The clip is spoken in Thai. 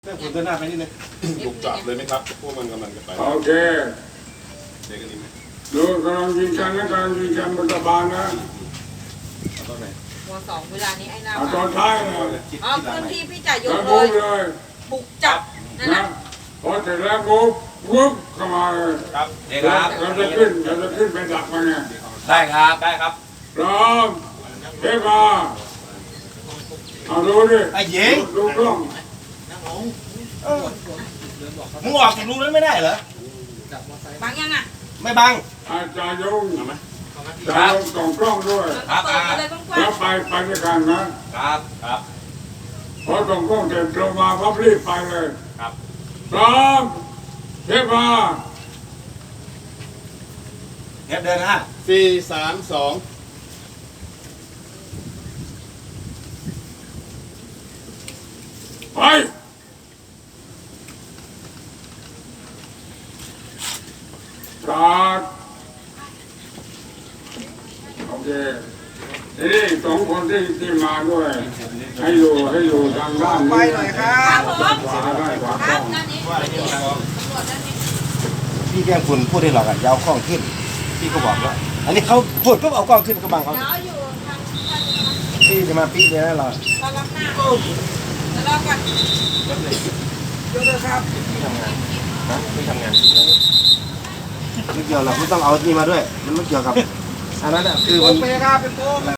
เรื่องคุณเดินหน้าไปนิดนึงบุกจับเลยไหมครับพวกมันกำลังจะไปโอเคเด็กกันดีไหมดูกำลังยิงกันนะกำลังยิงกันบนกระบาลนะตอนไหนหัวสองเวลานี้ไอ้หน้าตอนท้ายนะเอาพื้นที่พี่จ่ายยแล้กวเลบุยกเลยบุกจับนั่นนะนะพอเสร็จแล้วบุกวุบเข้ามาเลยครับเด็กครับเราจะขึ้นไปดักมันเนี่ยได้ครับได้ครับพร้อมเทปมาเอาดูดิไอ้หญิงดูกล้องมึงออกจากรูนั้นไม่ได้เหรอบังยังอ่ะไม่บังอาจารย์ยงจารย์ยงส่องกล้องด้วยครับเปิดไปเลยกว้าแล้งวไปด้วยกันนะครับครับพอส่องกล้องเสร็จลงมาพับรีบไปเลยครับพร้อมเทปมาเทปเดินฮะ 4-3-2 ไปสตาร์ทโอเคทีนี้สองคนที่มาด้วย ให้อยู่ทางด้านนี้ไปหน่อยครับครับผมขวาได้ขวาคต้รัอบ งด้านนี้ตำรวจด้านนี้พี่แกล้งคุณพูดได้หรอกอ่ะอยาวกล้องขึ้นพี่ก็บอกแล้วอันนี้เขาพูดก็เอากล้องขึ้นก็บังเขาเดี๋ยวอยู่ทางพี่จะมาปีเนี่ยนะเราตอนรับหน้าเดี๋ยวรอก่อนไม่ทำงานไม่เกี่ยวหรอกไม่ต้องเอานี่มาด้วย มันไม่เกี่ยวกับอันนั้นอ่ะคือมัน